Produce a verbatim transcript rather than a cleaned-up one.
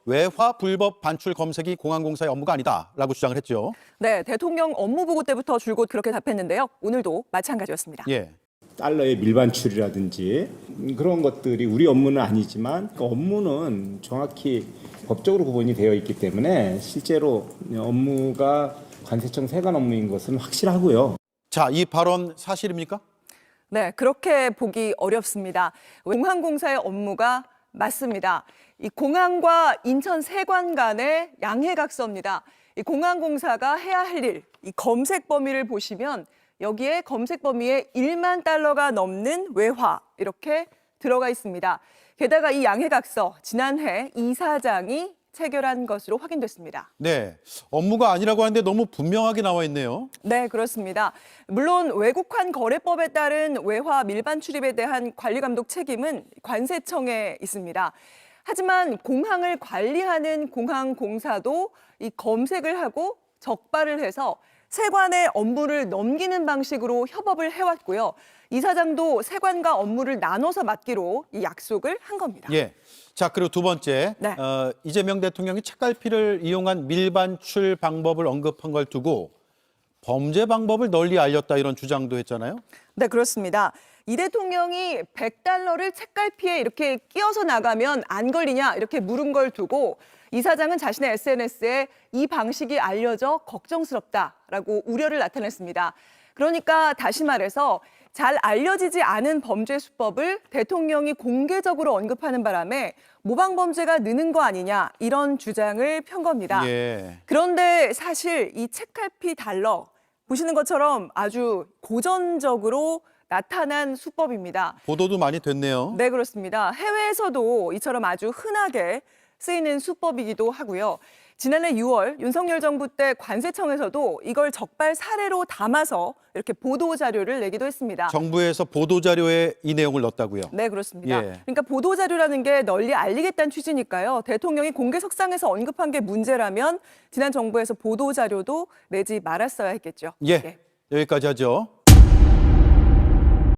외화 불법 반출 검색이 공항공사의 업무가 아니다라고 주장을 했죠. 네, 대통령 업무보고 때부터 줄곧 그렇게 답했는데요. 오늘도 마찬가지였습니다. 예. 달러의 밀반출이라든지 그런 것들이 우리 업무는 아니지만 그 업무는 정확히 법적으로 구분이 되어 있기 때문에 실제로 업무가 관세청 세관 업무인 것은 확실하고요. 자, 이 발언 사실입니까? 네, 그렇게 보기 어렵습니다. 공항공사의 업무가 맞습니다. 이 공항과 인천 세관 간의 양해각서입니다. 이 공항공사가 해야 할 일, 이 검색 범위를 보시면 여기에 검색 범위에 일만 달러가 넘는 외화 이렇게 들어가 있습니다. 게다가 이 양해각서 지난해 이사장이 체결한 것으로 확인됐습니다. 네, 업무가 아니라고 하는데 너무 분명하게 나와 있네요. 네, 그렇습니다. 물론 외국환 거래법에 따른 외화 밀반 출입에 대한 관리 감독 책임은 관세청에 있습니다. 하지만 공항을 관리하는 공항공사도 이 검색을 하고 적발을 해서 세관에 업무를 넘기는 방식으로 협업을 해왔고요. 이사장도 세관과 업무를 나눠서 맡기로 이 약속을 한 겁니다. 예. 자, 그리고 두 번째, 네. 어, 이재명 대통령이 책갈피를 이용한 밀반출 방법을 언급한 걸 두고 범죄 방법을 널리 알렸다 이런 주장도 했잖아요. 네, 그렇습니다. 이 대통령이 백 달러를 책갈피에 이렇게 끼워서 나가면 안 걸리냐 이렇게 물은 걸 두고 이사장은 자신의 에스엔에스에 이 방식이 알려져 걱정스럽다라고 우려를 나타냈습니다. 그러니까 다시 말해서 잘 알려지지 않은 범죄 수법을 대통령이 공개적으로 언급하는 바람에 모방 범죄가 느는 거 아니냐 이런 주장을 편 겁니다. 예. 그런데 사실 이 책갈피 달러 보시는 것처럼 아주 고전적으로 나타난 수법입니다. 보도도 많이 됐네요. 네, 그렇습니다. 해외에서도 이처럼 아주 흔하게 쓰이는 수법이기도 하고요. 지난해 유월 윤석열 정부 때 관세청에서도 이걸 적발 사례로 담아서 이렇게 보도 자료를 내기도 했습니다. 정부에서 보도 자료에 이 내용을 넣었다고요. 네, 그렇습니다. 예. 그러니까 보도 자료라는 게 널리 알리겠다는 취지니까요. 대통령이 공개석상에서 언급한 게 문제라면 지난 정부에서 보도 자료도 내지 말았어야 했겠죠. 예. 여기까지 하죠.